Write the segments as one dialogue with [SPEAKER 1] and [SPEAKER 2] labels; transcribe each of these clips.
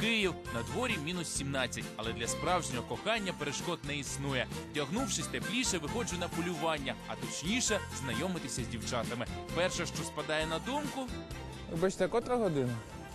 [SPEAKER 1] Київ, на дворі мінус 17, але для справжнього кохання перешкод не існує. Вдягнувшись тепліше, виходжу на полювання, а точніше знайомитися з дівчатами. Перше, що спадає на думку...
[SPEAKER 2] Вибачте, а котра година?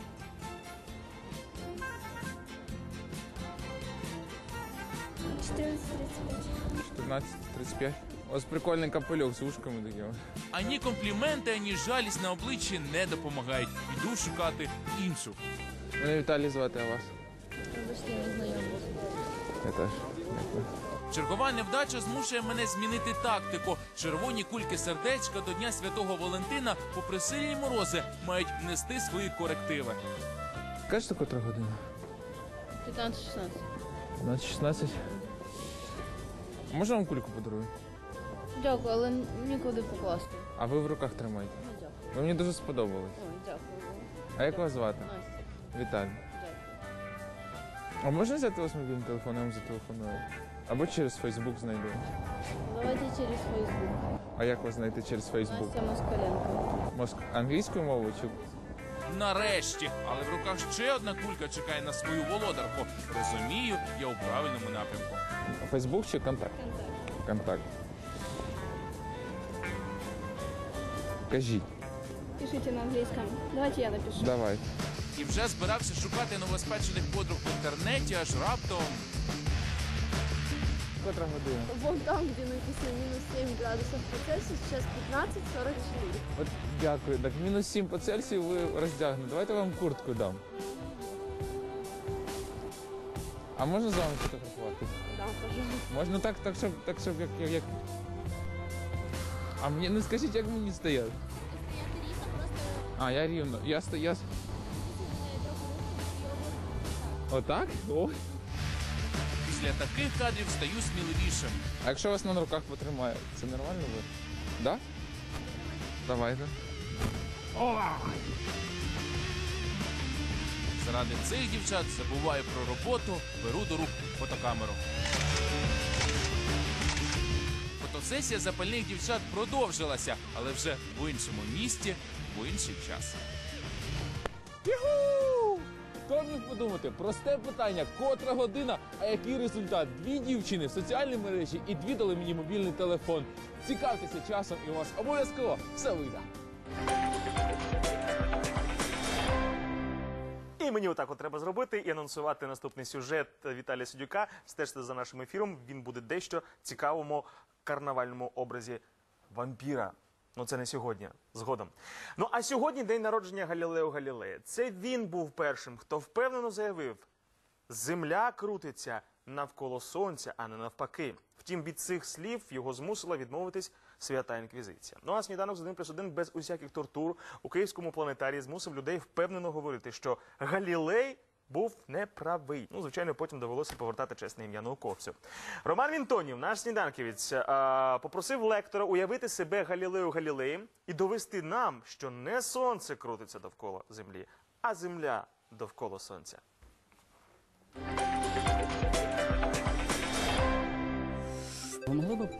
[SPEAKER 2] 14:35. Ось прикольний капелюх з ушками такими.
[SPEAKER 1] Ані компліменти, ані жалість на обличчі не допомагають. Йду шукати іншу.
[SPEAKER 2] Мене Віталій звати, а вас?
[SPEAKER 3] Вибачте, не знайомий.
[SPEAKER 2] Я теж. Дякую.
[SPEAKER 1] Чергова невдача змушує мене змінити тактику. Червоні кульки сердечка до Дня Святого Валентина, попри сильні морози, мають внести свої корективи.
[SPEAKER 2] Кажете, котра година?
[SPEAKER 3] 15-16.
[SPEAKER 2] 16. Можна вам кульку подарую?
[SPEAKER 3] Дякую, але нікуди покласти.
[SPEAKER 2] А ви в руках тримайте.
[SPEAKER 3] Ну, дякую.
[SPEAKER 2] Ви мені дуже сподобались.
[SPEAKER 3] Ой, дякую.
[SPEAKER 2] А як вас звати?
[SPEAKER 3] Настя,
[SPEAKER 2] Віталій.
[SPEAKER 3] дякую.
[SPEAKER 2] А можна взяти у вас мобільний телефон, я вам зателефоную? Або через Фейсбук знайду.
[SPEAKER 3] Давайте через Фейсбук.
[SPEAKER 2] А як вас знайти через Фейсбук?
[SPEAKER 3] Настя Москаленко.
[SPEAKER 2] Англійською мовою чи...
[SPEAKER 1] Нарешті! Але в руках ще одна кулька чекає на свою володарку. Розумію, я у правильному напрямку.
[SPEAKER 2] Фейсбук чи контакт? Контакт. Кажіть.
[SPEAKER 4] Пишите на английском. Давайте я напишу.
[SPEAKER 2] Давай.
[SPEAKER 1] І вже збирався шукати новоспечених подруг в інтернеті, аж раптом...
[SPEAKER 2] Котра година?
[SPEAKER 4] Вон там, где написано минус 7 градусов по Цельсию, сейчас 15:44.
[SPEAKER 2] От дякую. Так мінус 7 по Цельсію ви роздягнете. Давайте я вам куртку дам. А можна з вами фотографувати?
[SPEAKER 4] Да, пожалуйста.
[SPEAKER 2] Можна так, щоб як... А мені, ну скажіть, як мені стояти? А, я рівно. Я... Отак? О.
[SPEAKER 1] Після таких кадрів стаю сміливішим.
[SPEAKER 2] А якщо вас на руках потримає, це нормально буде? Да? Давайте. О!
[SPEAKER 1] Заради цих дівчат забуваю про роботу, беру до рук фотокамеру. Фотосесія запальних дівчат продовжилася, але вже в іншому місті, в інший час.
[SPEAKER 2] Юху! Хто міг подумати? Просте питання, котра година, а який результат? 2 дівчини в соціальній мережі і 2 дали мені мобільний телефон. Цікавтеся часом і у вас обов'язково все вийде.
[SPEAKER 5] І мені отак от треба зробити і анонсувати наступний сюжет Віталія Сидюка. Стежте за нашим ефіром, він буде дещо цікавому карнавальному образі вампіра. Ну це не сьогодні, згодом. Ну а сьогодні день народження Галілео Галілея. Це він був першим, хто впевнено заявив: Земля крутиться навколо Сонця, а не навпаки. Втім, від цих слів його змусила відмовитись Свята Інквізиція. Ну а сніданок з 1+1 без усяких тортур у Київському планетарії змусив людей впевнено говорити, що Галілей був неправий. Ну, звичайно, потім довелося повертати чесне ім'я науковцю. Роман Вінтонів, наш сніданківець, попросив лектора уявити себе Галілео Галілеєм і довести нам, що не Сонце крутиться довкола Землі, а Земля довкола Сонця.
[SPEAKER 6] Ви могли б